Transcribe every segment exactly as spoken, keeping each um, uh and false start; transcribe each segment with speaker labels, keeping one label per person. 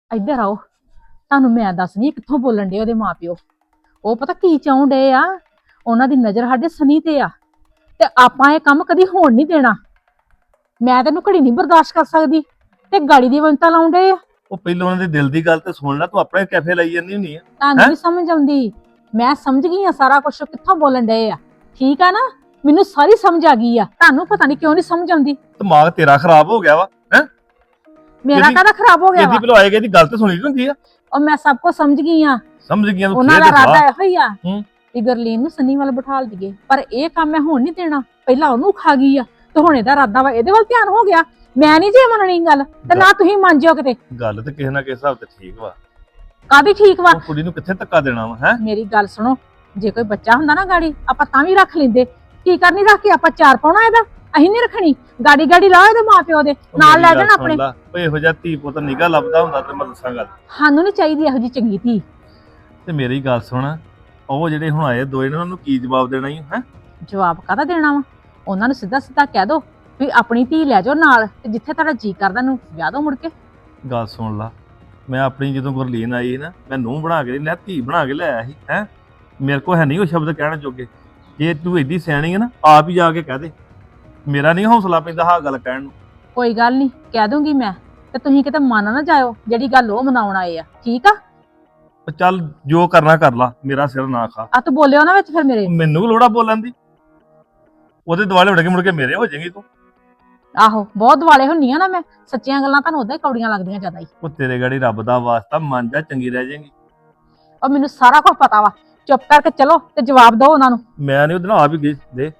Speaker 1: ਇੱਧਰ ਆਓ। ਤੁਹਾਨੂੰ ਮੈਂ ਦੱਸਣੀ ਕਿੱਥੋਂ ਬੋਲਣ ਡੇ ਉਹਦੇ ਮਾਪਿਓ। ਉਹ ਪਤਾ ਕੀ ਚਾਹੁੰ ਡੇ ਆ, ਉਹਨਾਂ ਦੀ ਨਜ਼ਰ ਸਾਡੇ ਸਨੀ ਤੇ ਆ, ਤੇ ਆਪਾਂ ਇਹ ਕੰਮ ਕਦੀ ਹੋਣ ਨਹੀਂ ਦੇਣਾ। ਮੈਂ ਤੈਨੂੰ ਘੜੀ ਨਹੀਂ ਬਰਦਾਸ਼ਤ ਕਰ ਸਕਦੀ, ਤੇ ਗਾੜੀ ਦੀ ਵੰਤਾ ਲਾਉਣ ਡੇ ਆ।
Speaker 2: ਉਹ ਪਹਿਲਾਂ ਉਹਨਾਂ ਦੇ ਦਿਲ ਦੀ ਗੱਲ ਤੇ ਸੁਣ ਲੈ, ਤੂੰ ਆਪਣੇ ਕੈਫੇ ਲਾਈ ਜਾਂਦੀ ਹੁੰਦੀ ਆ।
Speaker 1: ਤੁਹਾਨੂੰ ਨਹੀਂ ਸਮਝ ਆਉਂਦੀ। ਮੈਂ ਸਮਝ ਗਈ ਆ ਸਾਰਾ ਕੁਝ ਕਿੱਥੋਂ ਬੋਲਣ ਡੇ ਆ, ਠੀਕ ਆ ਨਾ। ਮੈਨੂੰ ਸਾਰੀ ਸਮਝ ਆ ਗਈ ਆ, ਤੁਹਾਨੂੰ ਪਤਾ ਨਹੀਂ ਕਿਉਂ ਨਹੀਂ ਸਮਝ ਆਉਂਦੀ।
Speaker 2: ਦਿਮਾਗ ਤੇਰਾ ਖਰਾਬ ਹੋ ਗਿਆ ਵਾ ਹੈ।
Speaker 1: ਮੇਰਾ ਕਾਹਦਾ ਖਰਾਬ ਹੋ ਗਿਆ ਵਾ?
Speaker 2: ਇਹਦੀ ਪਹਿਲਾਂ ਆਏਗੀ, ਇਹਦੀ ਗੱਲ ਤੇ ਸੁਣੀ ਹੁੰਦੀ ਆ।
Speaker 1: ਉਹ ਮੈਂ ਸਭ ਕੁਝ ਸਮਝ ਗਈ ਆ।
Speaker 2: ਸਮਝ ਗਈਆਂ ਤੂੰ?
Speaker 1: ਉਹਨਾਂ ਦਾ ਇਰਾਦਾ ਇਹੋ ਹੀ ਆ
Speaker 2: ਹੂੰ
Speaker 1: ਕਿ ਗਰਲੀਨ ਨੂੰ ਸਨੀ ਵੱਲ ਬਿਠਾਲ ਦਈਏ, ਪਰ ਇਹ ਕੰਮ ਮੈਂ ਹੋਣ ਨਹੀਂ ਦੇਣਾ। ਪਹਿਲਾਂ ਉਹਨੂੰ ਖਾ ਗਈ ਆ, ਤੇ ਹੁਣ ਇਹਦਾ ਇਰਾਦਾ ਵਾ ਇਹਦੇ ਵੱਲ ਧਿਆਨ ਹੋ ਗਿਆ। ਮੈਂ ਨਹੀਂ ਜੇ ਮੰਨਣੀ ਗੱਲ, ਤੇ ਨਾ ਤੁਸੀਂ ਮੰਨ ਜਿਓ ਕਿਤੇ।
Speaker 2: ਗੱਲ ਤੇ ਕਿਸੇ ਨਾ ਕਿਸੇ ਹਿਸਾਬ ਤੇ ਠੀਕ ਵਾ।
Speaker 1: ਕਾਹਦੀ ਠੀਕ ਵਾ?
Speaker 2: ਉਹ ਕੁੜੀ ਨੂੰ ਕਿੱਥੇ ਧੱਕਾ ਦੇਣਾ ਵਾ ਹੈ।
Speaker 1: ਮੇਰੀ ਗੱਲ ਸੁਣੋ, ਜੇ ਕੋਈ ਬੱਚਾ ਹੁੰਦਾ ਨਾ ਗਾੜੀ, ਆਪਾਂ ਤਾਂ ਵੀ ਰੱਖ ਲੈਂਦੇ। ਕੀ ਕਰਨੀ ਰੱਖ ਕੇ, ਆਪਾਂ ਚਾਰ ਪਾਉਣਾ ਇਹਦਾ? ਅਸੀਂ ਨਹੀਂ ਰੱਖਣੀ। ਗਾੜੀ ਗਾੜੀ ਲਾ ਇਹਦੇ ਮਾਪਿਓ ਦੇ ਨਾਲ ਲੈ ਜਾਣਾ ਆਪਣੇ।
Speaker 2: ਓਏ ਇਹੋ ਜਿਹਾ ਧੀ ਪੁੱਤ ਨਿਗਾ ਲੱਭਦਾ ਹੁੰਦਾ ਤੇ ਮੈਂ ਦੱਸਾਂ ਗੱਲ।
Speaker 1: ਸਾਨੂੰ ਨਹੀਂ ਚਾਹੀਦੀ ਇਹੋ ਜਿਹੀ ਚੰਗੀ ਧੀ।
Speaker 2: ਤੇ ਮੇਰੀ ਗੱਲ ਸੁਣ, ਉਹ ਜਿਹੜੇ ਹੁਣ ਆਏ ਦੋਏ ਨੇ ਉਹਨਾਂ ਨੂੰ ਕੀ ਜਵਾਬ ਦੇਣਾ ਹੀ ਹੈ?
Speaker 1: ਜਵਾਬ ਕਾਹਦਾ ਦੇਣਾ ਵਾ? ਉਹਨਾਂ ਨੂੰ ਸਿੱਧਾ ਸਿੱਧਾ ਕਹਿ ਦੋ ਵੀ ਆਪਣੀ ਧੀ ਲੈ ਜਾਓ ਨਾਲ, ਤੇ ਜਿੱਥੇ ਤੁਹਾਡਾ ਜੀ ਕਰਦਾ ਨੂੰ ਵਿਆਹ ਦੋ ਮੁੜ ਕੇ।
Speaker 2: ਗੱਲ ਸੁਣ ਲਾ, ਮੈਂ ਆਪਣੀ ਜਦੋਂ ਗੁਰਲੀਨ ਆਈ ਨਾ, ਮੈਂ ਨੂੰਹ ਬਣਾ ਕੇ ਲੈ ਧੀ ਬਣਾ ਕੇ ਲਿਆਇਆ ਸੀ ਹੈ। ਮੇਰੇ ਕੋਲ ਹੈ ਨਹੀਂ ਉਹ ਸ਼ਬਦ ਕਹਿਣ ਜੋਗੇ। ਜੇ ਤੂੰ ਏਡੀ ਸਿਆਣੀ ਹੈ ਨਾ, ਆਪ ਹੀ ਜਾ ਕੇ ਕਹਿ ਦੇ। ਮੇਰਾ ਨਹੀਂ ਹੌਸਲਾ ਪੈਂਦਾ ਹਾਂ ਗੱਲ ਕਹਿਣ ਨੂੰ।
Speaker 1: ਕੋਈ ਗੱਲ ਨਹੀਂ, ਕਹਿ ਦੂੰਗੀ ਮੈਂ, ਤੇ ਤੁਸੀਂ ਕਿਤੇ ਮੰਨ ਨਾ ਜਾਇਓ ਜਿਹੜੀ ਗੱਲ ਉਹ ਮਨਾਉਣ ਆਏ ਆ, ਠੀਕ ਆ?
Speaker 2: ਚੱਲ ਜੋ ਕਰਨਾ ਕਰ ਲਾ, ਮੇਰਾ ਸਿਰ ਨਾ ਖਾ।
Speaker 1: ਆ ਤੂੰ ਬੋਲਿਓ ਨਾ ਵਿੱਚ ਫਿਰ ਮੇਰੇ।
Speaker 2: ਮੈਨੂੰ ਲੋੜਾ ਬੋਲਣ ਦੀ? ਉਹਦੇ ਦੁਆਲੇ ਉੱਡ ਕੇ ਮੁੜ ਕੇ ਮੇਰੇ ਹੋ ਜਾਏਗੀ ਤੂੰ।
Speaker 1: ਆਹੋ, ਬਹੁਤ ਦੁਆਲੇ ਹੁੰਨੀ ਆ ਨਾ ਮੈਂ। ਸੱਚੀਆਂ ਗੱਲਾਂ ਤੁਹਾਨੂੰ ਉਦਾਂ ਹੀ ਕੌੜੀਆਂ ਲੱਗਦੀਆਂ ਜ਼ਿਆਦਾ ਹੀ।
Speaker 2: ਉਹ ਤੇਰੇ ਗਾੜੀ ਰੱਬ ਦਾ ਵਾਸਤਾ ਮੰਨ ਜਾ, ਚੰਗੀ ਰਹਿ ਜਾਏਗੀ।
Speaker 1: ਔਰ ਮੈਨੂੰ ਸਾਰਾ ਕੁਝ ਪਤਾ ਵਾ। ਚੁੱਪ ਕਰਕੇ ਚਲੋ ਤੇ ਜਵਾਬ ਦਿਓ ਉਹਨਾਂ ਨੂੰ।
Speaker 2: ਮੈਂ ਨਹੀਂ ਉਹਦੇ ਨਾਲ ਆਪ ਹੀ ਗਈ ਦੇ।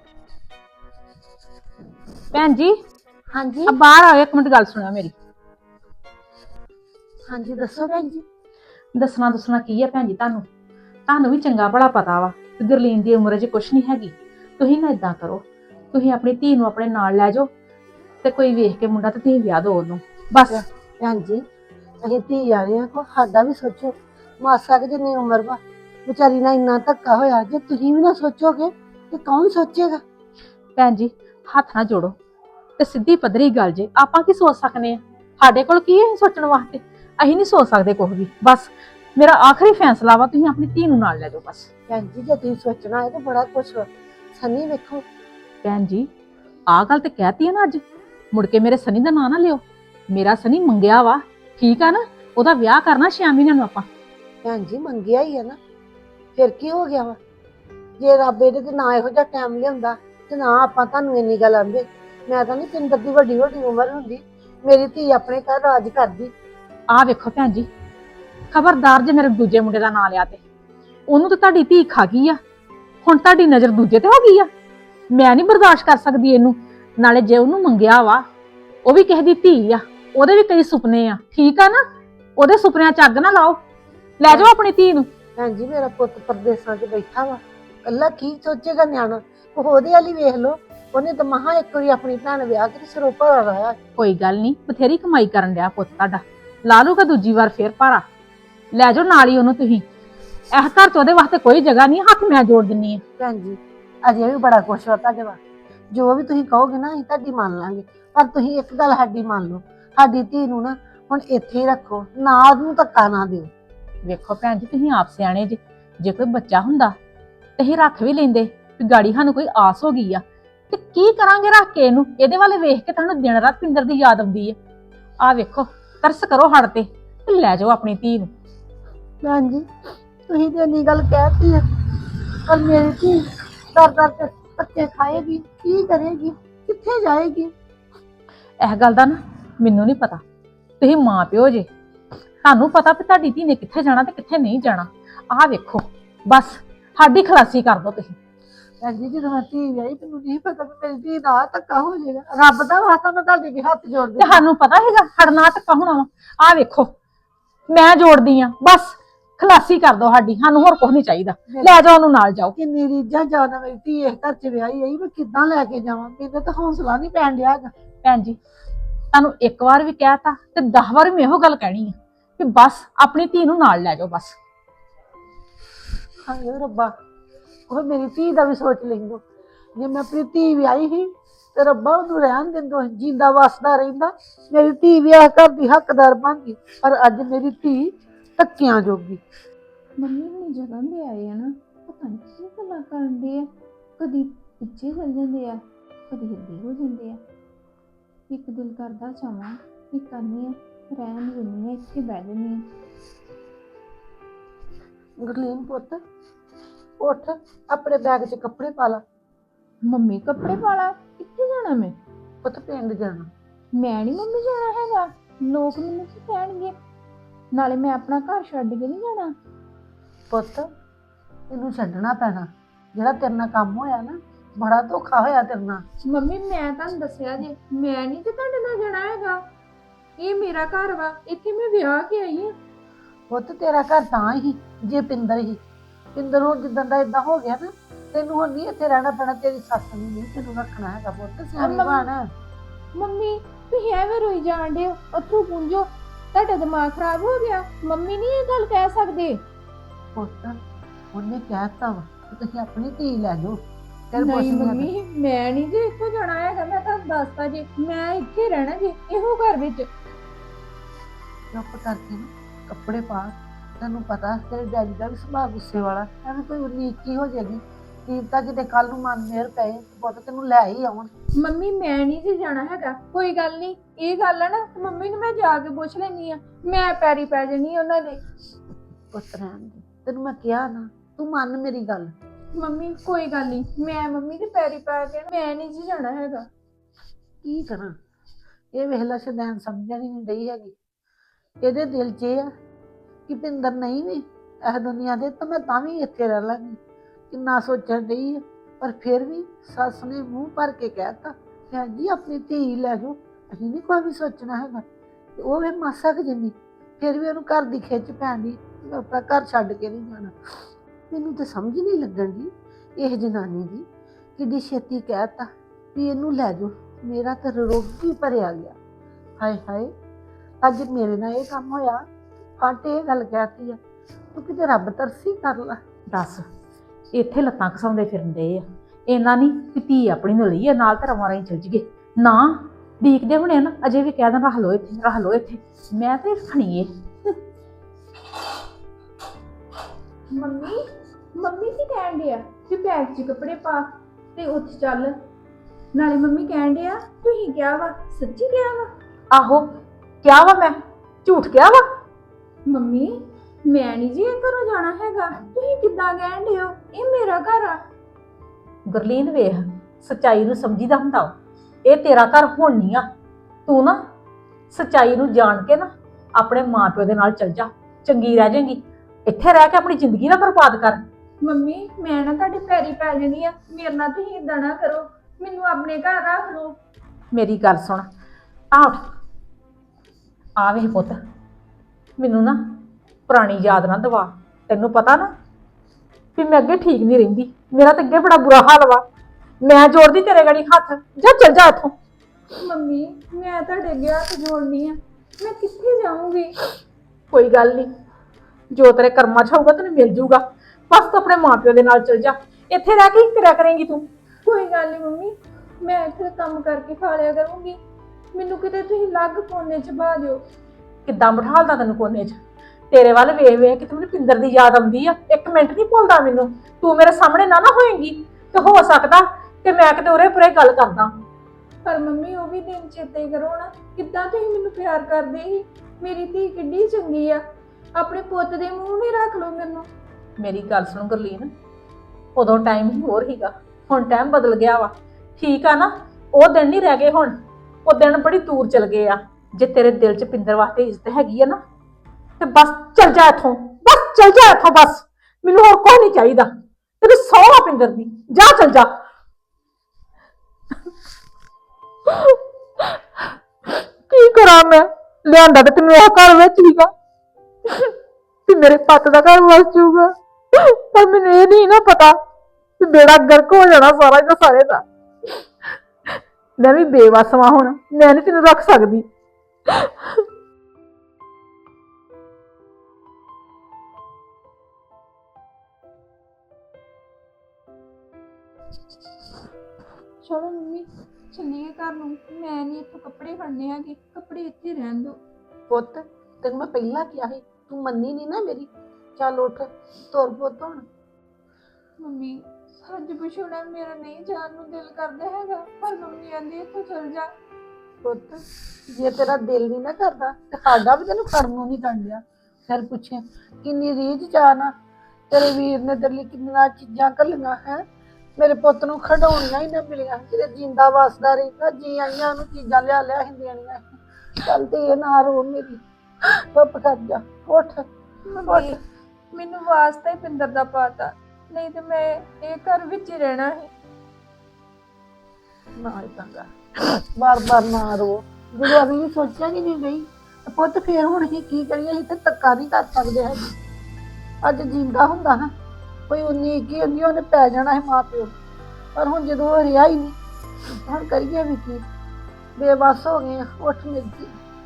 Speaker 1: ਭੈਣ ਜੀ,
Speaker 3: ਹਾਂਜੀ
Speaker 1: ਆ ਬਾਹਰ ਆਓ, ਇੱਕ ਮਿੰਟ ਗੱਲ ਸੁਣਿਓ ਮੇਰੀ।
Speaker 3: ਹਾਂਜੀ ਦੱਸੋ ਭੈਣ ਜੀ।
Speaker 1: ਦੱਸਣਾ ਦੱਸਣਾ ਕੀ ਆ ਭੈਣ ਜੀ ਤੁਹਾਨੂੰ? ਤੁਹਾਨੂੰ ਵੀ ਚੰਗਾ ਭਲਾ ਪਤਾ ਵਾ ਕਿ ਗੁਰਲੀਨ ਦੀ ਉਮਰ 'ਚ ਕੁਛ ਨਹੀਂ ਹੈਗੀ। ਤੁਸੀਂ ਨਾ ਇਦਾਂ ਕਰੋ, ਤੁਸੀਂ ਆਪਣੀ ਧੀ ਨੂੰ ਆਪਣੇ ਨਾਲ ਲੈ ਜਾਓ, ਤੇ ਕੋਈ ਵੇਖ ਕੇ ਮੁੰਡਾ ਤੇ ਤੁਸੀਂ ਵਿਆਹ ਦਿਓ ਉਹਨੂੰ ਬਸ।
Speaker 3: ਭੈਣ ਜੀ ਅਸੀਂ ਧੀ ਆ ਰਹੇ ਹਾਂ, ਕੋ ਸਾਡਾ ਵੀ ਸੋਚੋ। ਮਾਸਾ ਕਿ ਜਿੰਨੀ ਉਮਰ ਵਾ, ਵਿਚਾਰੀ ਨਾਲ ਇੰਨਾ ਧੱਕਾ ਹੋਇਆ। ਜੇ ਤੁਸੀਂ ਵੀ ਨਾ ਸੋਚੋਗੇ ਤੇ ਕੌਣ ਸੋਚੇਗਾ?
Speaker 1: ਭੈਣ ਜੀ ਹੱਥ ਨਾ ਜੋੜੋ, ਤੇ ਸਿੱਧੀ ਪੱਧਰੀ ਗੱਲ ਜੇ। ਆਪਾਂ ਕੀ ਸੋਚ ਸਕਨੇ ਆ? ਸਾਡੇ ਕੋਲ ਕੀ ਹੈ ਸੋਚਣ ਵਾਸਤੇ? ਅਸੀਂ ਨਹੀਂ ਸੋਚ ਸਕਦੇ ਕੁਝ ਵੀ। ਬਸ ਮੇਰਾ ਆਖਰੀ ਫੈਸਲਾ ਵਾ, ਤੁਸੀਂ ਆਪਣੀ ਧੀ ਨੂੰ ਨਾਲ ਲੈ ਜਾਓ ਬਸ।
Speaker 3: ਭੈਣ ਜੀ ਜੇ ਤੁਸੀਂ ਸੋਚਣਾ ਹੈ ਤਾਂ ਬੜਾ ਕੁਛ ਵਾ। ਸਨੀ ਵੇਖੋ।
Speaker 1: ਭੈਣ ਜੀ ਆਹ ਗੱਲ ਤੇ ਕਹਿਤੀ ਹੈ ਨਾ ਅੱਜ, ਮੁੜ ਕੇ ਮੇਰੇ ਸਨੀ ਦਾ ਨਾਂ ਨਾ ਲਿਓ। ਮੇਰਾ ਸਨੀ ਮੰਗਿਆ ਵਾ, ਠੀਕ ਆ ਨਾ? ਉਹਦਾ ਵਿਆਹ ਕਰਨਾ ਛੇ ਮਹੀਨਿਆਂ ਨੂੰ ਆਪਾਂ।
Speaker 3: ਭੈਣ ਜੀ ਮੰਗਿਆ ਹੀ ਹੈ ਨਾ, ਫਿਰ ਕੀ ਹੋ ਗਿਆ ਵਾ? ਜੇ ਰੱਬ ਇਹਦੇ ਤੇ ਨਾ ਇਹੋ ਜਿਹਾ ਟਾਈਮ ਲਿਆਉਂਦਾ ਤੇ ਨਾ ਆਪਾਂ ਤੁਹਾਨੂੰ ਇੰਨੀ ਗੱਲ ਆਂਦੇ। ਮੈਂ ਤਾਂ ਨਹੀਂ ਪਿੰਦਰ ਦੀ ਵੱਡੀ ਵੱਡੀ ਉਮਰ ਹੁੰਦੀ, ਮੇਰੀ ਧੀ ਆਪਣੇ ਘਰ ਰਾਜ ਕਰਦੀ।
Speaker 1: ਆਹ ਵੇਖੋ ਭੈਣ ਜੀ, ਖਬਰਦਾਰ ਜੇ ਮੇਰੇ ਦੂਜੇ ਮੁੰਡੇ ਦਾ ਨਾਂ ਲਿਆ ਤੇ ਉਹਨੂੰ ਤਾਂ ਤੁਹਾਡੀ ਧੀ ਖਾ ਗਈ ਆ। ਹੁਣ ਤੁਹਾਡੀ ਨਜ਼ਰ ਦੂਜੇ ਤੇ ਹੋ ਗਈ ਆ। ਮੈਂ ਨਹੀਂ ਬਰਦਾਸ਼ਤ ਕਰ ਸਕਦੀ ਇਹਨੂੰ। ਨਾਲੇ ਜੇ ਉਹਨੂੰ ਮੰਗਿਆ ਵਾ, ਉਹ ਵੀ ਕਿਸੇ ਦੀ ਧੀ ਆ, ਉਹਦੇ ਵੀ ਕਈ ਸੁਪਨੇ ਆ, ਠੀਕ ਆ ਨਾ? ਉਹਦੇ ਸੁਪਨਿਆਂ 'ਚ ਅੱਗ ਨਾ ਲਾਓ, ਲੈ ਜਾਓ ਆਪਣੀ ਧੀ ਨੂੰ।
Speaker 3: ਭੈਣ ਜੀ ਮੇਰਾ ਪੁੱਤ ਪਰਦੇਸਾਂ 'ਚ ਬੈਠਾ ਵਾ, ਕੱਲਾ ਕੀ ਸੋਚੇਗਾ ਨਿਆਣਾ? ਉਹ ਉਹਦੇ ਵਾਲੀ ਵੇਖ ਲਓ, ਉਹਨੇ ਤਾਂ ਮਹਾ ਇੱਕ ਵਾਰੀ ਆਪਣੀ ਭੈਣ ਵਿਆਹ ਕੇ ਸਿਰੋਂ ਭਰਾ ਲਾਇਆ।
Speaker 1: ਕੋਈ ਗੱਲ ਨਹੀਂ, ਬਥੇਰੀ ਕਮਾਈ ਕਰਨ ਡਿਆ ਪੁੱਤ ਤੁਹਾਡਾ, ਲਾ ਲੂਗਾ ਦੂਜੀ ਵਾਰ ਫੇਰ ਭਾਰਾ। ਲੈ ਜਾਓ ਨਾਲ ਹੀ ਉਹਨੂੰ ਤੁਸੀਂ। ਇਹ ਘਰ 'ਚ ਉਹਦੇ ਵਾਸਤੇ ਕੋਈ ਜਗ੍ਹਾ ਨਹੀਂ, ਹੱਥ ਮੈਂ ਜੋੜ ਦਿੰਨੀ ਆ।
Speaker 3: ਭੈਣ ਜੀ ਅਜੇ ਵੀ ਬੜਾ ਕੁਛ ਵਾ ਤੁਹਾਡੇ ਵਾ, ਜੋ ਵੀ ਤੁਸੀਂ ਕਹੋਗੇ ਨਾ ਅਸੀਂ ਤੁਹਾਡੀ ਮੰਨ ਲਾਂਗੇ। ਪਰ ਤੁਸੀਂ ਇੱਕ ਗੱਲ ਸਾਡੀ ਮੰਨ ਲਓ, ਸਾਡੀ ਧੀ ਨੂੰ ਨਾ ਹੁਣ ਇੱਥੇ ਹੀ ਰੱਖੋ, ਨਾ ਉਹਨੂੰ ਧੱਕਾ ਨਾ ਦਿਓ।
Speaker 1: ਵੇਖੋ ਭੈਣ ਜੀ ਤੁਸੀਂ ਆਪ ਸਿਆਣੇ ਜੇ, ਜੇ ਕੋਈ ਬੱਚਾ ਹੁੰਦਾ ਤੇ ਇਹ ਰੱਖ ਵੀ ਲੈਂਦੇ ਕਿ ਗਾੜੀ ਸਾਨੂੰ ਕੋਈ ਆਸ ਹੋ ਗਈ ਆ, ਤੇ ਕੀ ਕਰਾਂਗੇ ਰੱਖ ਕੇ ਇਹਨੂੰ? ਇਹਦੇ ਵੱਲ ਵੇਖ ਕੇ ਤੁਹਾਨੂੰ ਦਿਨ ਰਾਤ ਪਿੰਦਰ ਦੀ ਯਾਦ ਆਉਂਦੀ ਹੈ। ਆਹ ਵੇਖੋ, ਤਰਸ ਕਰੋ ਹੜ ਤੇ, ਤੇ ਲੈ ਜਾਓ ਆਪਣੀ ਧੀ ਨੂੰ।
Speaker 3: ਭੈਣ ਜੀ ਤੁਸੀਂ ਤੇ ਇੰਨੀ ਗੱਲ ਕਹਿਤੀ ਹੈ, ਪਰ ਮੇਰੀ ਧੀ ਦਰ ਦਰ ਤੇ ਧੱਕੇ ਖਾਏਗੀ, ਕੀ ਕਰੇਗੀ, ਕਿੱਥੇ ਜਾਏਗੀ?
Speaker 1: ਇਹ ਗੱਲ ਦਾ ਨਾ ਮੈਨੂੰ ਨਹੀਂ ਪਤਾ। ਤੁਸੀਂ ਮਾਂ ਪਿਓ ਜੇ, ਤੁਹਾਨੂੰ ਪਤਾ ਵੀ ਤੁਹਾਡੀ ਧੀ ਨੇ ਕਿੱਥੇ ਜਾਣਾ ਤੇ ਕਿੱਥੇ ਨਹੀਂ ਜਾਣਾ। ਆਹ ਵੇਖੋ ਬਸ ਸਾਡੀ ਖਲਾਸੀ ਕਰ ਦੋ ਤੁਸੀਂ।
Speaker 3: ਭੈਣ ਜੀ ਜਦੋਂ ਮੈਂ ਧੀ ਵਿਆਹੀ ਤੈਨੂੰ ਨਹੀਂ ਪਤਾ ਕਿ ਮੇਰੀ ਧੀ ਦਾ ਧੱਕਾ ਹੋ ਜਾਏਗਾ। ਰੱਬ ਦਾ ਵਾਸਤਾ ਮੈਂ ਤੁਹਾਡੇ ਅੱਗੇ ਹੱਥ ਜੋੜਦੀ।
Speaker 1: ਤੇ ਸਾਨੂੰ ਪਤਾ ਹੈਗਾ ਹੜਨਾ ਧੱਕਾ ਹੋਣਾ ਵਾ। ਆਹ ਵੇਖੋ ਮੈਂ ਜੋੜਦੀ ਆ, ਬਸ ਖਲਾਸੀ ਕਰ ਦੋ ਸਾਡੀ, ਸਾਨੂੰ ਹੋਰ ਕੁਝ ਨਹੀਂ ਚਾਹੀਦਾ। ਲੈ ਜਾਓ ਉਹਨੂੰ ਨਾਲ ਜਾਓ।
Speaker 3: ਕਿੰਨੀ ਰੀਝਾਂ ਜਾਣਾ ਮੇਰੀ ਧੀ ਇਸ ਘਰ 'ਚ ਵਿਆਹੀ ਆਈ, ਮੈਂ ਕਿੱਦਾਂ ਲੈ ਕੇ ਜਾਵਾਂ? ਮੈਨੂੰ ਤਾਂ ਹੌਸਲਾ ਨਹੀਂ ਪੈਣ ਡਿਆ ਹੈਗਾ।
Speaker 1: ਭੈਣ ਜੀ ਤੁਹਾਨੂੰ ਇੱਕ ਵਾਰ ਵੀ ਕਹਿਤਾ ਤੇ ਦਸ ਵਾਰ ਵੀ ਇਹੋ ਗੱਲ ਕਹਿਣੀ ਆ ਕਿ ਬਸ ਆਪਣੀ ਧੀ ਨੂੰ ਨਾਲ ਲੈ ਜਾਓ ਬਸ।
Speaker 3: ਹਾਏ ਰੱਬਾ, ਉਹ ਮੇਰੀ ਧੀ ਦਾ ਵੀ ਸੋਚ ਲੈਂਦੋ। ਜੇ ਮੈਂ ਆਪਣੀ ਧੀ ਵਿਆਹੀ ਸੀ ਤੇ ਰੱਬਾ ਉਹਨੂੰ ਰਹਿਣ ਦਿੰਦੋ, ਜਿੰਦਾ ਵਸਦਾ ਰਹਿੰਦਾ। ਮੇਰੀ ਧੀ ਵੀ ਇਸ ਘਰ ਦੀ ਹੱਕਦਾਰ ਬਣ ਗਈ, ਪਰ ਅੱਜ ਮੇਰੀ ਧੀ ਧੱਕਿਆਂ ਜੋਗੀ।
Speaker 4: ਮੰਮੀ ਹੁਣੀ ਜਗ੍ਹਾ ਤੇ ਆਏ ਆ ਨਾ, ਪਤਾ ਨਹੀਂ ਕੀ ਗੱਲਾਂ ਕਰਨ ਦੇ ਆ। ਕਦੀ ਪਿੱਛੇ ਚੱਲ ਜਾਂਦੇ ਆ, ਕਦੀ ਅੱਗੇ ਹੋ ਜਾਂਦੇ ਆ। ਇੱਕ ਦਿਲ ਕਰਦਾ ਚਾਹਾਂ ਇੱਕ ਕਰਨੀ ਆ ਰਹਿਣ ਦਿੰਦੀ ਆ, ਇੱਥੇ ਬਹਿ ਜਾਂਦੀ ਆ।
Speaker 3: ਗੁਰਲੀਨ ਪੁੱਤ ਉੱਠ, ਆਪਣੇ ਬੈਗ 'ਚ ਕੱਪੜੇ ਪਾ ਲਾ।
Speaker 4: ਮੰਮੀ ਕੱਪੜੇ ਪਾਲਾ, ਕਿੱਥੇ ਜਾਣਾ ਮੈਂ?
Speaker 3: ਪੁੱਤ ਪਿੰਡ ਜਾਣਾ।
Speaker 4: ਮੈਂ ਨਹੀਂ ਮੰਮੀ ਜਾਣਾ ਹੈਗਾ, ਲੋਕ ਮੈਨੂੰ ਕੀ ਕਹਿਣਗੇ? ਨਾਲੇ ਮੈਂ ਆਪਣਾ ਘਰ ਛੱਡ ਕੇ ਨਹੀਂ ਜਾਣਾ।
Speaker 3: ਪੁੱਤ ਇਹਨੂੰ ਛੱਡਣਾ ਪੈਣਾ, ਜਿਹੜਾ ਤੇਰੇ ਨਾਲ ਕੰਮ ਹੋਇਆ ਨਾ, ਬੜਾ ਧੋਖਾ ਹੋਇਆ ਤੇਰੇ ਨਾਲ।
Speaker 4: ਮੰਮੀ ਮੈਂ ਤੁਹਾਨੂੰ ਦੱਸਿਆ ਜੀ, ਮੈਂ ਨਹੀਂ ਤੇ ਤੁਹਾਡੇ ਨਾਲ ਜਾਣਾ ਹੈਗਾ। ਇਹ ਮੇਰਾ ਘਰ ਵਾ, ਇੱਥੇ ਮੈਂ ਵਿਆਹ ਕੇ ਆਈ ਹਾਂ।
Speaker 3: ਪੁੱਤ ਤੇਰਾ ਘਰ ਤਾਂ ਹੀ ਜੇ ਪਿੰਦਰ ਹੀ, ਪਿੰਦਰ ਹੁਣ ਜਿੱਦਾਂ ਦਾ ਇਦਾਂ ਹੋ ਗਿਆ ਨਾ, ਤੈਨੂੰ ਹੁਣ ਨਹੀਂ ਇੱਥੇ ਰਹਿਣਾ ਪੈਣਾ। ਤੇਰੀ ਸੱਸ ਨੇ ਨਹੀਂ ਤੈਨੂੰ ਰੱਖਣਾ ਹੈਗਾ ਪੁੱਤ, ਸਿਆਣੀ ਬਣ।
Speaker 4: ਮੰਮੀ ਤੁਸੀਂ ਐਵੇਂ ਰੋਈ ਜਾਣ ਡੇ ਹੋ, ਉੱਥੋਂ ਪੁੰਜੋ, ਤੁਹਾਡਾ ਦਿਮਾਗ ਖਰਾਬ ਹੋ ਗਿਆ। ਮੰਮੀ ਨਹੀਂ ਇਹ ਗੱਲ ਕਹਿ ਸਕਦੇ।
Speaker 3: ਪੁੱਤ ਉਹਨੇ ਕਹਿਤਾ ਵਾ ਕਿ ਤੁਸੀਂ ਆਪਣੀ ਧੀ ਲੈ ਜਾਓ। ਤੇਰੇ
Speaker 4: ਨਹੀਂ
Speaker 3: ਪੁੱਛ
Speaker 4: ਮੰਮੀ ਮੈਂ ਨਹੀਂ ਜੀ ਇੱਥੋਂ ਜਾਣਾ ਹੈਗਾ, ਮੈਂ ਤੁਹਾਨੂੰ ਦੱਸਤਾ ਜੀ, ਮੈਂ ਇੱਥੇ ਰਹਿਣਾ ਜੀ ਇਹੋ ਘਰ ਵਿੱਚ।
Speaker 3: ਚੁੱਪ ਕਰਕੇ ਨਾ ਕੱਪੜੇ ਪਾ। ਤੈਨੂੰ ਪਤਾ ਤੇਰੇ ਡੈਡੀ ਦਾ ਵੀ ਸੁਭਾਅ ਗੁੱਸੇ ਵਾਲਾ, ਐਵੇਂ ਕੋਈ ਉਨੀਕ ਕੀ ਹੋ ਜਾਏਗੀ, ਕੀ ਤਾਂ ਕਿਤੇ ਕੱਲ ਨੂੰ ਮਨ ਮੇਰ ਪਏ ਪੁੱਤ ਤੈਨੂੰ ਲੈ ਹੀ ਆਉਣ।
Speaker 4: ਮੰਮੀ ਮੈਂ ਨਹੀਂ ਜੀ ਜਾਣਾ ਹੈਗਾ, ਕੋਈ ਗੱਲ ਨਹੀਂ। ਇਹ ਗੱਲ ਹੈ ਨਾ, ਮੰਮੀ ਨੂੰ ਮੈਂ ਜਾ ਕੇ ਪੁੱਛ ਲੈਣੀ ਆ, ਮੈਂ ਪੈਰੀ ਪੈ ਜਾਣੀ ਉਹਨਾਂ ਦੇ।
Speaker 3: ਪੁੱਤ ਰਹਿਣ ਦੇ, ਤੈਨੂੰ ਮੈਂ ਕਿਹਾ ਨਾ, ਤੂੰ ਮੰਨ ਮੇਰੀ ਗੱਲ।
Speaker 4: ਮੰਮੀ ਕੋਈ ਗੱਲ ਨਹੀਂ, ਮੈਂ ਮੰਮੀ ਦੇ ਪੈਰੀ ਪੈ ਕੇ ਮੈਂ ਨਹੀਂ ਜੀ ਜਾਣਾ ਹੈਗਾ।
Speaker 3: ਕੀ ਕਰਾਂ, ਇਹ ਵੇਖਲਾ ਸ਼ੈਤਾਨ ਸਮਝਣ ਹੀ ਨਹੀਂ ਰਹੀ ਹੈਗੀ। ਇਹਦੇ ਦਿਲ 'ਚ ਇਹ ਆ ਕਿ ਪਿੰਦਰ ਨਹੀਂ ਵੀ ਇਹ ਦੁਨੀਆ ਦੇ, ਤਾਂ ਮੈਂ ਤਾਂ ਵੀ ਇੱਥੇ ਰਹਿ ਲਾਂਗੀ। ਕਿੰਨਾ ਸੋਚਣ ਡਈ ਹੈ, ਪਰ ਫਿਰ ਵੀ ਸੱਸ ਨੇ ਮੂੰਹ ਭਰ ਕੇ ਕਹਿਤਾ ਭੈਣ ਜੀ ਆਪਣੀ ਧੀ ਲੈ ਜਾਓ, ਅਸੀਂ ਨਹੀਂ ਕੋਈ ਵੀ ਸੋਚਣਾ ਹੈਗਾ। ਤੇ ਉਹ ਵੀ ਮਾਸਾ ਕੁ ਜਿੰਨੀ, ਫਿਰ ਵੀ ਉਹਨੂੰ ਘਰ ਦੀ ਖਿੱਚ ਪੈਂਦੀ, ਮੈਂ ਆਪਣਾ ਘਰ ਛੱਡ ਕੇ ਨਹੀਂ ਜਾਣਾ। ਮੈਨੂੰ ਤਾਂ ਸਮਝ ਨਹੀਂ ਲੱਗਣ ਦੀ ਇਹ ਜਨਾਨੀ ਦੀ, ਕਿੱਡੀ ਛੇਤੀ ਕਹਿਤਾ ਵੀ ਇਹਨੂੰ ਲੈ ਜਾਓ। ਮੇਰਾ ਤਾਂ ਰੋਗ ਹੀ ਭਰਿਆ ਗਿਆ। ਹਾਏ ਹਾਏ, ਅੱਜ ਮੇਰੇ ਨਾਲ ਇਹ ਕੰਮ ਹੋਇਆ, ਫਟ ਇਹ ਗੱਲ ਕਹਿਤੀ ਆ। ਤੂੰ ਕਿਤੇ ਰੱਬ ਤਰਸੀ ਕਰ ਲਾ।
Speaker 1: ਦੱਸ ਇੱਥੇ ਲੱਤਾਂ ਘਸਾਉਂਦੇ ਫਿਰਦੇ ਆ, ਇਹਨਾਂ ਨਹੀਂ ਵੀ ਧੀ ਆਪਣੀ ਨੂੰ ਲਈ ਆ ਨਾਲ ਤੇ ਰਵਾਂ ਰਾਹੀਂ ਚਲ ਜੀਏ ਨਾ। ਡੀਕਦੇ ਹੁਣੇ ਨਾ, ਅਜੇ ਵੀ ਕਹਿ ਦੇਣ ਰੱਖ ਲੋ ਇੱਥੇ, ਰੱਖ ਲੋ ਇੱਥੇ, ਮੈਂ ਤੇ ਰੱਖਣੀ ਏ।
Speaker 4: ਮੰਮੀ ਮੰਮੀ ਕੀ ਕਹਿਣ ਡਿਆ ਕਿ ਬੈਗ 'ਚ ਕੱਪੜੇ ਪਾ ਤੇ ਉੱਥੇ ਚੱਲ। ਨਾਲੇ ਮੰਮੀ ਕਹਿਣ ਡਿਆ ਤੁਸੀਂ ਕਿਹਾ ਵਾ, ਸੱਚੀ ਕਿਹਾ ਵਾ?
Speaker 1: ਆਹੋ ਕਿਆ ਵਾ, ਮੈਂ ਝੂਠ ਕਿਹਾ ਵਾ?
Speaker 4: ਮੰਮੀ ਮੈਂ ਨਹੀਂ ਜੀ ਇਹ ਘਰੋਂ ਜਾਣਾ ਹੈਗਾ, ਤੁਸੀਂ ਕਿੱਦਾਂ ਕਹਿਣ ਡੇ ਹੋ? ਇਹ ਮੇਰਾ ਘਰ ਆ।
Speaker 1: ਗੁਰਲੀਨ ਵੇਖ, ਸੱਚਾਈ ਨੂੰ ਸਮਝੀਦਾ ਹੁੰਦਾ ਵਾ। ਇਹ ਤੇਰਾ ਘਰ ਹੁਣ ਨਹੀਂ ਆ। ਤੂੰ ਨਾ ਸੱਚਾਈ ਨੂੰ ਜਾਣ ਕੇ ਨਾ ਆਪਣੇ ਮਾਪਿਓ ਦੇ ਨਾਲ ਚਲ ਜਾ, ਚੰਗੀ ਰਹਿ ਜਾਏਗੀ। ਇੱਥੇ ਰਹਿ ਕੇ ਆਪਣੀ ਜ਼ਿੰਦਗੀ ਨਾ ਬਰਬਾਦ ਕਰ।
Speaker 4: ਮੰਮੀ ਮੈਂ ਨਾ ਤੁਹਾਡੇ ਪੈਰੀ ਪੈ ਜਾਣੀ ਆ, ਮੇਰੇ ਨਾਲ ਤੁਸੀਂ ਏਦਾਂ ਨਾ ਕਰੋ, ਮੈਨੂੰ ਆਪਣੇ ਘਰ ਰੱਖ ਲਓ।
Speaker 1: ਮੇਰੀ ਗੱਲ ਸੁਣ, ਆ ਉੱਠ, ਆ ਵੇਖ ਪੁੱਤ, ਮੈਨੂੰ ਨਾ ਪੁਰਾਣੀ ਯਾਦ ਨਾ ਦਵਾ। ਤੈਨੂੰ ਪਤਾ ਨਾ ਵੀ ਮੈਂ ਅੱਗੇ ਠੀਕ ਨਹੀਂ ਰਹਿੰਦੀ, ਮੇਰਾ ਤਾਂ ਅੱਗੇ ਬੜਾ ਬੁਰਾ ਹਾਲ ਵਾ। ਮੈਂ ਜੋੜਦੀ ਤੇਰੇ ਗਾੜੀ ਹੱਥ, ਜਾ ਚੱਲ ਜਾ ਇੱਥੋਂ।
Speaker 4: ਮੰਮੀ ਮੈਂ ਤੁਹਾਡੇ ਅੱਗੇ ਹੱਥ ਜੋੜਨੀ ਆ, ਮੈਂ ਕਿੱਥੇ ਜਾਊਂਗੀ?
Speaker 1: ਕੋਈ ਗੱਲ ਨਹੀਂ, ਜੋ ਤੇਰੇ ਕਰਮਾਂ 'ਚ ਹੋਊਗਾ ਤੈਨੂੰ ਮਿਲ ਜਾਊਗਾ। ਬਸ ਤੂੰ ਆਪਣੇ ਮਾਪਿਓ ਦੇ ਨਾਲ ਚਲ ਜਾ, ਇੱਥੇ ਰਹਿ ਕੇ ਕੀ ਕਰਿਆ ਕਰੇਂਗੀ ਤੂੰ?
Speaker 4: ਕੋਈ ਗੱਲ ਨਹੀਂ ਮੰਮੀ, ਮੈਂ ਇੱਥੇ ਕੰਮ ਕਰਕੇ ਖਾ ਲਿਆ ਕਰੂੰਗੀ, ਮੈਨੂੰ ਕਿਤੇ ਤੁਸੀਂ ਲੱਗ ਕੋਨੇ 'ਚ ਬਾ ਦਿਓ।
Speaker 1: ਕਿੱਦਾਂ ਬਿਠਾਲਦਾ ਤੈਨੂੰ ਕੋਨੇ 'ਚ? ਤੇਰੇ ਵੱਲ ਵੇਖ ਵੇਖ ਕਿ ਮੈਨੂੰ ਪਿੰਦਰ ਦੀ ਯਾਦ ਆਉਂਦੀ ਆ, ਇੱਕ ਮਿੰਟ ਨਹੀਂ ਭੁੱਲਦਾ ਮੈਨੂੰ। ਤੂੰ ਮੇਰੇ ਸਾਹਮਣੇ ਨਾ ਨਾ ਹੋਏਗੀ ਤੇ ਹੋ ਸਕਦਾ ਕਿ ਮੈਂ ਕਿਤੇ ਉਰੇ ਪਰੇ ਗੱਲ ਕਰਦਾ।
Speaker 4: ਪਰ ਮੰਮੀ ਉਹ ਵੀ ਦਿਨ ਚੇਤੇ ਕਰੋ ਨਾ, ਕਿੱਦਾਂ ਤੁਸੀਂ ਮੈਨੂੰ ਪਿਆਰ ਕਰਦੇ ਸੀ। ਮੇਰੀ ਧੀ ਕਿੱਡੀ ਚੰਗੀ ਆ, ਆਪਣੇ ਪੁੱਤ ਦੇ ਮੂੰਹ ਨਹੀਂ ਰੱਖ ਲਓ ਮੈਨੂੰ।
Speaker 1: ਮੇਰੀ ਗੱਲ ਸੁਣ ਗੁਰਲੀਨ, ਉਦੋਂ ਟਾਈਮ ਹੀ ਹੋਰ ਹੀਗਾ, ਹੁਣ ਟਾਈਮ ਬਦਲ ਗਿਆ ਵਾ, ਠੀਕ ਆ ਨਾ? ਉਹ ਦਿਨ ਨਹੀਂ ਰਹਿ ਗਏ ਹੁਣ, ਉਹ ਦਿਨ ਬੜੀ ਦੂਰ ਚਲ ਗਏ ਆ। ਜੇ ਤੇਰੇ ਦਿਲ 'ਚ ਪਿੰਦਰ ਵਾਸਤੇ ਇੱਜ਼ਤ ਹੈਗੀ ਆ ਨਾ, ਤੇ ਬਸ ਚਲ ਜਾ ਇੱਥੋਂ, ਬਸ ਚਲ ਜਾ ਇੱਥੋਂ, ਬਸ ਮੈਨੂੰ ਹੋਰ ਕੋਈ ਨਹੀਂ ਚਾਹੀਦਾ। ਤੈਨੂੰ ਸਹੁੰ ਆ ਪਿੰਦਰ ਦੀ, ਜਾ ਚਲ ਜਾ। ਕੀ ਕਰਾਂ ਮੈਂ, ਲਿਆਂਦਾ ਤੇ ਤੈਨੂੰ ਇਹ ਘਰ ਵਿੱਚ ਹੀਗਾ ਕਿ ਮੇਰੇ ਪੁੱਤ ਦਾ ਘਰ ਵਸ ਜਾਊਗਾ, ਪਰ ਮੈਨੂੰ ਇਹ ਨਹੀਂ ਨਾ ਪਤਾ ਕਿ ਬੇੜਾ ਗਰਕ ਹੋ ਜਾਣਾ ਸਾਰਾ ਦਾ ਸਾਰੇ ਦਾ। ਮੈਂ ਵੀ ਬੇਵੱਸ ਵਾਂ ਹੁਣ, ਮੈਂ ਨਹੀਂ ਤੈਨੂੰ ਰੱਖ ਸਕਦੀ।
Speaker 4: ਚਲੋ ਮੰਮੀ ਚੱਲੀਏ ਘਰ ਨੂੰ। ਮੈਂ ਨਹੀਂ ਇੱਥੋਂ ਕੱਪੜੇ ਫੜਨੇ ਹੈਗੇ, ਕੱਪੜੇ ਇੱਥੇ ਰਹਿਣ ਦਿਓ।
Speaker 3: ਪੁੱਤ ਤੈਨੂੰ ਮੈਂ ਪਹਿਲਾਂ ਕਿਹਾ ਸੀ, ਤੂੰ ਮੰਨੀ ਨਹੀਂ ਨਾ ਮੇਰੀ। ਚੱਲ ਉੱਠ, ਤੁਰ ਪੁੱਤ ਹੁਣ।
Speaker 4: ਮੰਮੀ ਸੱਚ ਪੁੱਛੋ ਨਾ, ਮੇਰਾ ਨਹੀਂ ਜਾਣ ਨੂੰ ਦਿਲ ਕਰਦਾ ਹੈਗਾ, ਪਰ ਮੰਮੀ ਆਂਦੀ ਇੱਥੋਂ ਚਲ ਜਾ।
Speaker 3: ਪੁੱਤ ਜੇ ਤੇਰਾ ਦਿਲ ਨਹੀਂ ਨਾ ਕਰਦਾ ਤੇ ਸਾਡਾ ਵੀ ਤੈਨੂੰ ਖੜਨ ਨੂੰ ਨਹੀਂ ਡੰਡਿਆ। ਫਿਰ ਪੁੱਛੇ ਕਿੰਨੀ ਰੀਝ ਚਾਹਨਾ ਤੇਰੇ ਵੀਰ ਨੇ ਤੇਰੇ ਲਈ ਕਿੰਨੀਆਂ ਚੀਜ਼ਾਂ ਘੱਲੀਆਂ ਹੈ। ਮੇਰੇ ਪੁੱਤ ਨੂੰ ਖਡਾਉਣੀਆਂ ਹੀ ਨਾ ਮਿਲੀਆਂ, ਕਿਤੇ ਜਿੰਦਾ ਵਸਦਾ ਰਹਿੰਦਾ ਜੀ ਆਈਆਂ ਉਹਨੂੰ ਚੀਜ਼ਾਂ ਲਿਆ ਲਿਆ ਹੀ ਦੇਣੀਆਂ। ਚੱਲ ਤੇ ਇਹ ਨਾ ਰੋ ਮੇਰੀ, ਚੁੱਪ ਕਰ ਜਾ, ਉੱਠ
Speaker 4: ਮੰਮੀ
Speaker 3: ਉੱਠ।
Speaker 4: ਮੈਨੂੰ ਵਾਸਤਾ ਹੀ ਪਿੰਦਰ ਦਾ ਪਾਤਾ, ਨਹੀਂ ਤੇ ਮੈਂ ਇਹ ਘਰ ਵਿੱਚ ਹੀ ਰਹਿਣਾ ਹੈ।
Speaker 3: ਨਾ ਇਦਾਂ ਕਰ, ਬਾਰ ਬਾਰ ਨਾ ਰੋ। ਜਦੋਂ ਅਗਲੀ ਸੋਚਿਆ ਕਿ ਨਹੀਂ ਗਈ ਤੇ ਪੁੱਤ ਫੇਰ ਹੁਣ ਅਸੀਂ ਕੀ ਕਰੀਏ? ਅਸੀਂ ਤੇ ਧੱਕਾ ਨਹੀਂ ਕਰ ਸਕਦੇ ਹੈਗੇ। ਅੱਜ ਜਿੰਦਾ ਹੁੰਦਾ ਨਾ ਕੋਈ ਉਨੀ ਇੱਕੀ ਹੁੰਦੀ ਉਹਨੇ ਪੈ ਜਾਣਾ ਹੈ ਮਾਂ ਪਿਓ, ਪਰ ਹੁਣ ਜਦੋਂ ਉਹ ਰਿਹਾ ਹੀ ਨਹੀਂ, ਹੁਣ ਕਰੀਏ ਵੀ ਕੀ? ਬੇਬਸ ਹੋ ਗਏ ਆ। ਉੱਠ ਮੇਰੀ ਧੀ।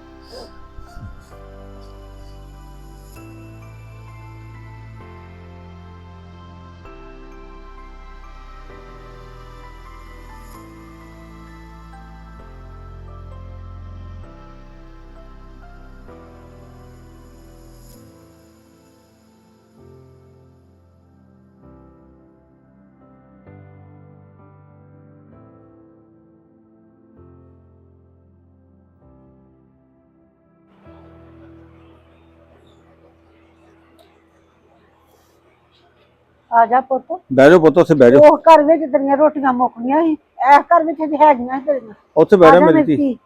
Speaker 3: ਆ ਜਾ ਪੁੱਤ।
Speaker 5: ਬਹਿ ਜਾਓ ਪੁੱਤ, ਉੱਥੇ ਬਹਿ ਜਾਓ।
Speaker 3: ਉਹ ਘਰ ਵਿੱਚ ਤੇਰੀਆਂ ਰੋਟੀਆਂ ਮੁੱਕਣੀਆਂ ਸੀ, ਇਸ ਘਰ ਵਿੱਚ ਅਜੇ ਹੈਗੀਆਂ ਸੀ ਤੇਰੀਆਂ।
Speaker 5: ਉੱਥੇ ਬਹਿ
Speaker 3: ਆ
Speaker 5: ਜਾ
Speaker 3: ਜਾ
Speaker 5: ਮੇਰੀ
Speaker 3: ਮੇਰੀ
Speaker 5: ਧੀ।
Speaker 3: ਧੀ।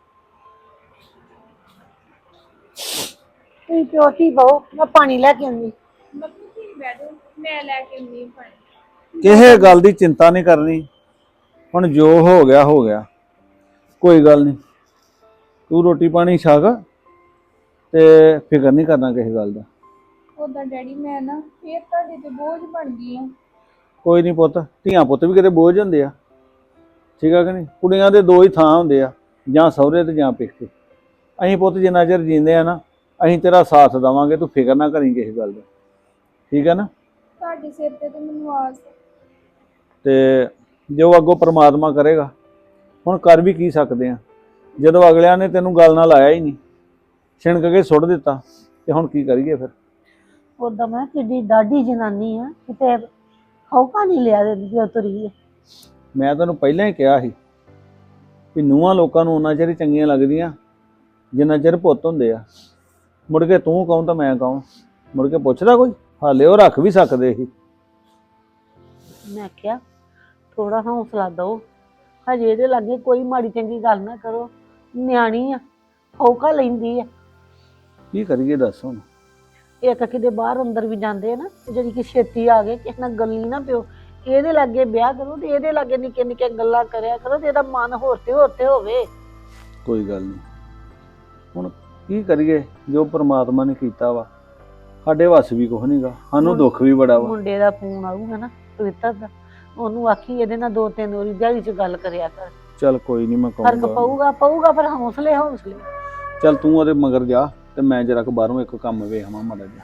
Speaker 3: ਤੁਸੀਂ ਪਿਓ ਧੀ ਬਹੁ, ਮੈਂ ਪਾਣੀ ਲੈ ਕੇ ਆਉਂਦੀ।
Speaker 4: ਮੰਮੀ ਠੀਕ ਬਹਿ ਜਾਓ, ਮੈਂ ਲੈ ਕੇ ਆਉਂਦੀ ਹਾਂ ਪਾਣੀ।
Speaker 5: ਕਿਸੇ ਗੱਲ ਦੀ ਚਿੰਤਾ ਨਹੀਂ ਕਰਨੀ, ਹੁਣ ਜੋ ਹੋ ਗਿਆ ਹੋ ਗਿਆ, ਕੋਈ ਗੱਲ ਨਹੀਂ। ਤੂੰ ਰੋਟੀ ਪਾਣੀ ਛਕ ਤੇ ਫਿਕਰ ਨਹੀਂ ਕਰਨਾ ਕਿਸੇ ਗੱਲ ਦਾ।
Speaker 4: ਉਦਾਂ ਡੈਡੀ ਮੈਂ ਨਾ ਫੇਰ ਤੁਹਾਡੇ ਤੇ ਬੋਝ ਬਣ ਗਈ ਆ।
Speaker 5: ਕੋਈ ਨਹੀਂ ਪੁੱਤ, ਧੀਆਂ ਪੁੱਤ ਵੀ ਕਿਤੇ ਬੋਝ ਹੁੰਦੇ ਆ, ਠੀਕ ਆ ਕਿ ਨਹੀਂ? ਕੁੜੀਆਂ ਦੇ ਦੋ ਹੀ ਥਾਂ ਹੁੰਦੇ ਆ, ਜਾਂ ਸਹੁਰੇ ਤੇ ਜਾਂ ਪੇਕੇ। ਅਸੀਂ ਪੁੱਤ ਜਿੰਨਾ ਚਿਰ ਜੀਂਦੇ ਆ ਨਾ, ਅਸੀਂ ਤੇਰਾ ਸਾਥ ਦੇਵਾਂਗੇ, ਤੂੰ ਫਿਕਰ ਨਾ ਕਰੀ ਕਿਸੇ ਗੱਲ ਦਾ, ਠੀਕ ਹੈ ਨਾ?
Speaker 4: ਤੁਹਾਡੇ ਸਿਰ ਤੇ ਤੇ ਮੈਨੂੰ ਆਸ ਹੈ।
Speaker 5: ਤੇ ਜੋ ਅੱਗੋਂ ਪ੍ਰਮਾਤਮਾ ਕਰੇਗਾ, ਹੁਣ ਕਰ ਵੀ ਕੀ ਸਕਦੇ ਆ? ਜਦੋਂ ਅਗਲਿਆਂ ਨੇ ਤੈਨੂੰ ਗੱਲ ਨਾਲ ਲਾਇਆ ਹੀ ਨਹੀਂ, ਛਿਣਕ ਕੇ ਸੁੱਟ ਦਿੱਤਾ, ਤੇ ਹੁਣ ਕੀ ਕਰੀਏ ਫਿਰ?
Speaker 3: ਉਦਾਂ ਮੈਂ ਕਿੱਡੀ ਡਾਢੀ ਜਨਾਨੀ ਆ, ਕਿਤੇ ਹੌਕਾ ਨਹੀਂ ਲਿਆ ਦਿੰਦੀ ਉਹ ਤੁਰੀ ਹੈ।
Speaker 5: ਮੈਂ ਤੈਨੂੰ ਪਹਿਲਾਂ ਹੀ ਕਿਹਾ ਸੀ ਵੀ ਨੂੰਹਾਂ ਲੋਕਾਂ ਨੂੰ ਉਹਨਾਂ ਚਿਰ ਹੀ ਚੰਗੀਆਂ ਲੱਗਦੀਆਂ ਜਿੰਨਾ ਚਿਰ ਪੁੱਤ ਹੁੰਦੇ ਆ। ਮੁੜ ਕੇ ਤੂੰ ਕਹੂੰ ਤਾਂ ਮੈਂ ਕਹੂੰ, ਮੁੜ ਕੇ ਪੁੱਛਦਾ ਕੋਈ? ਹਾਲੇ ਉਹ ਰੱਖ ਵੀ ਸਕਦੇ ਸੀ।
Speaker 3: ਮੈਂ ਕਿਹਾ ਥੋੜਾ ਹੌਸਲਾ ਦਓ, ਹਜੇ ਇਹਦੇ ਲਾਗੇ ਕੋਈ ਮਾੜੀ ਚੰਗੀ ਗੱਲ ਨਾ ਕਰੋ, ਨਿਆਣੀ ਆ, ਹੌਕਾ ਲੈਂਦੀ ਆ।
Speaker 5: ਕੀ ਕਰੀਏ ਦੱਸ ਹੁਣ?
Speaker 3: ਇੱਕ ਕਿਤੇ ਬਾਹਰ ਅੰਦਰ ਵੀ ਜਾਂਦੇ ਆ ਨਾ, ਜਿਹੜੀ ਕਿ ਛੇਤੀ ਆ ਗਏ, ਕਿਸੇ ਨਾਲ ਗੱਲੀ ਨਾ ਪਿਓ। ਇਹਦੇ ਲਾਗੇ ਵਿਆਹ ਕਰੋ ਤੇ ਇਹਦੇ ਲਾਗੇ ਨਿੱਕੇ ਨਿੱਕੇ ਗੱਲਾਂ ਕਰਿਆ ਕਰੋ, ਤੇ ਇਹਦਾ ਮਨ ਹੋਰ ਤੇ ਹੋਰ ਤੇ ਹੋਵੇ।
Speaker 5: ਕੋਈ ਗੱਲ ਨਹੀਂ, ਹੁਣ ਕੀ ਕਰੀਏ? ਜੋ ਪ੍ਰਮਾਤਮਾ ਨੇ ਕੀਤਾ ਵਾ, ਸਾਡੇ ਵੱਸ ਵੀ ਕੁਛ ਨਹੀਂਗਾ, ਸਾਨੂੰ ਦੁੱਖ ਵੀ ਬੜਾ ਵਾ।
Speaker 3: ਮੁੰਡੇ ਦਾ ਫੋਨ ਆਊਗਾ ਨਾ ਪਵਿੱਤਰ ਦਾ, ਉਹਨੂੰ ਆਖੀ ਇਹਦੇ ਨਾਲ ਦੋ ਤਿੰਨ ਵਾਰੀ ਦਿਹਾੜੀ 'ਚ ਗੱਲ ਕਰਿਆ ਕਰ।
Speaker 5: ਚੱਲ ਕੋਈ ਨਹੀਂ, ਮੈਂ
Speaker 3: ਫਰਕ
Speaker 5: ਕਹੂੰਗਾ।
Speaker 3: ਪਊਗਾ ਪਊਗਾ ਫਿਰ ਹੌਸਲੇ ਹੌਸਲੇ।
Speaker 5: ਚੱਲ ਤੂੰ ਉਹਦੇ ਮਗਰ ਜਾ ਤੇ ਮੈਂ ਜਰਾ ਕੁ ਬਾਹਰੋਂ ਇੱਕ ਕੰਮ ਵੇਖਾਂ ਮਾੜਾ ਜਿਹਾ।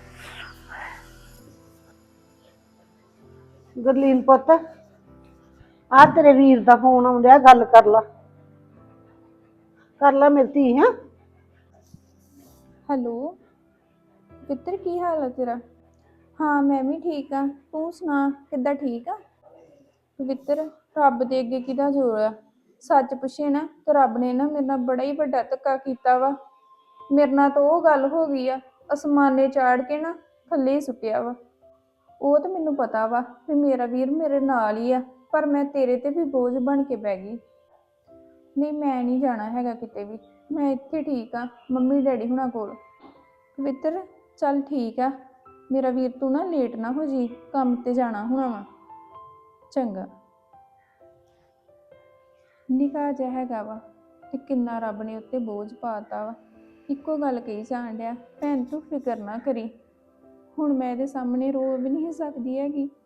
Speaker 3: ਗੁਰਲੀਨ ਪੁੱਤ, ਆ ਤੇਰੇ ਵੀਰ ਦਾ ਫੋਨ ਆਉਂਦਿਆ, ਗੱਲ ਕਰ ਲਾ, ਕਰ ਲਾ ਮੇਰੀ ਧੀ। ਹਾਂ
Speaker 4: ਹੈਲੋ ਪਿੱਤਰ, ਕੀ ਹਾਲ ਹੈ ਤੇਰਾ? ਹਾਂ ਮੈਂ ਵੀ ਠੀਕ ਆ, ਤੂੰ ਸੁਣਾ ਕਿੱਦਾਂ? ਠੀਕ ਆ ਪਵਿੱਤਰ, ਰੱਬ ਦੇ ਅੱਗੇ ਕਿਹਦਾ ਜ਼ੋਰ ਆ? ਸੱਚ ਪੁੱਛੇ ਨਾ ਤੇ ਰੱਬ ਨੇ ਨਾ ਮੇਰੇ ਨਾਲ ਬੜਾ ਹੀ ਵੱਡਾ ਧੱਕਾ ਕੀਤਾ ਵਾ। ਮੇਰੇ ਨਾਲ ਤਾਂ ਉਹ ਗੱਲ ਹੋ ਗਈ ਆ, ਅਸਮਾਨੇ ਚਾੜ ਕੇ ਨਾ ਥੱਲੇ ਹੀ ਸੁੱਟਿਆ ਵਾ। ਉਹ ਤਾਂ ਮੈਨੂੰ ਪਤਾ ਵਾ ਵੀ ਮੇਰਾ ਵੀਰ ਮੇਰੇ ਨਾਲ ਹੀ ਆ, ਪਰ ਮੈਂ ਤੇਰੇ ਤੇ ਵੀ ਬੋਝ ਬਣ ਕੇ ਬਹਿ ਗਈ। ਨਹੀਂ ਮੈਂ ਨਹੀਂ ਜਾਣਾ ਹੈਗਾ ਕਿਤੇ ਵੀ, ਮੈਂ ਇੱਥੇ ਠੀਕ ਆ ਮੰਮੀ ਡੈਡੀ ਹੁਣਾਂ ਕੋਲ। ਪਵਿੱਤਰ ਚੱਲ ਠੀਕ ਆ ਮੇਰਾ ਵੀਰ, ਤੂੰ ਨਾ ਲੇਟ ਨਾ ਹੋ ਜੀ, ਕੰਮ ਤੇ ਜਾਣਾ ਹੋਣਾ ਵਾ। ਚੰਗਾ। ਨਿੱਕਾ ਜਿਹਾ ਹੈਗਾ ਵਾ ਤੇ ਕਿੰਨਾ ਰੱਬ ਨੇ ਉੱਤੇ ਬੋਝ ਪਾਤਾ ਵਾ। ਇੱਕੋ ਗੱਲ ਕਹੀ ਜਾਣ ਡਿਆ, ਭੈਣ ਤੂੰ ਫਿਕਰ ਨਾ ਕਰੀ। ਹੁਣ ਮੈਂ ਇਹਦੇ ਸਾਹਮਣੇ ਰੋ ਵੀ ਨਹੀਂ ਸਕਦੀ ਹੈਗੀ,